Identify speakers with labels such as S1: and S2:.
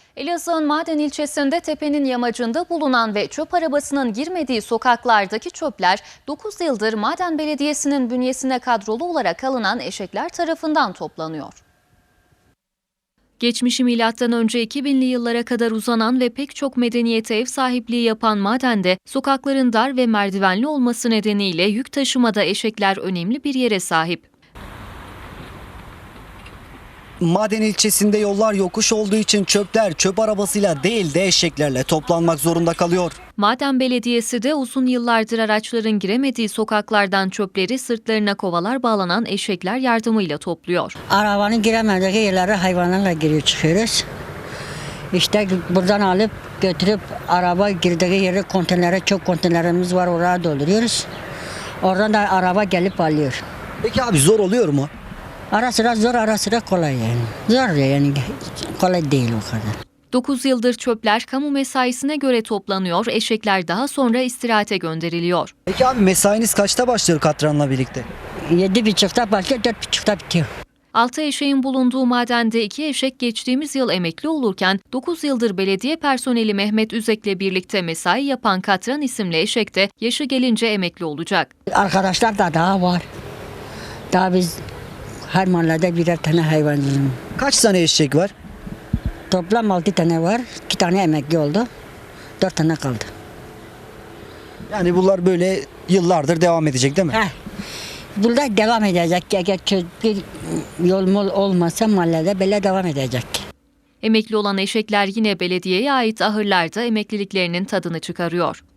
S1: Elazığ'ın Maden ilçesinde tepenin yamacında bulunan ve çöp arabasının girmediği sokaklardaki çöpler 9 yıldır Maden Belediyesi'nin bünyesine kadrolu olarak alınan eşekler tarafından toplanıyor. Geçmişi M.Ö. 2000'li yıllara kadar uzanan ve pek çok medeniyete ev sahipliği yapan madende sokakların dar ve merdivenli olması nedeniyle yük taşımada eşekler önemli bir yere sahip.
S2: Maden ilçesinde yollar yokuş olduğu için çöpler çöp arabasıyla değil de eşeklerle toplanmak zorunda kalıyor.
S1: Maden Belediyesi de uzun yıllardır araçların giremediği sokaklardan çöpleri sırtlarına kovalar bağlanan eşekler yardımıyla topluyor.
S3: Arabanın giremediği yerlere hayvanlarla giriyor çıkıyoruz. İşte buradan alıp götürüp araba girdiği yere konteynere, çok konteynerimiz var, oraya dolduruyoruz. Oradan da araba gelip alıyor.
S2: Peki abi zor oluyor mu?
S3: Ara sıra zor, ara sıra kolay yani. Zor yani, kolay değil o kadar.
S1: 9 yıldır çöpler kamu mesaisine göre toplanıyor, eşekler daha sonra istirahate gönderiliyor.
S2: Peki abi mesainiz kaçta başlıyor katranla birlikte?
S3: 7.30'da başlıyor, 4.30'da bitiyor.
S1: 6 eşeğin bulunduğu madende 2 eşek geçtiğimiz yıl emekli olurken 9 yıldır belediye personeli Mehmet Üzek'le birlikte mesai yapan Katran isimli eşek de yaşı gelince emekli olacak.
S3: Arkadaşlar da daha var. Daha biz her mahallede birer tane hayvancıyız.
S2: Kaç tane eşek var?
S3: Toplam 6 tane var. 2 tane emekli oldu. 4 tane kaldı.
S2: Yani bunlar böyle yıllardır devam edecek değil mi?
S3: Burada devam edecek. Eğer bir yol mol olmasa mahallede böyle devam edecek.
S1: Emekli olan eşekler yine belediyeye ait ahırlarda emekliliklerinin tadını çıkarıyor.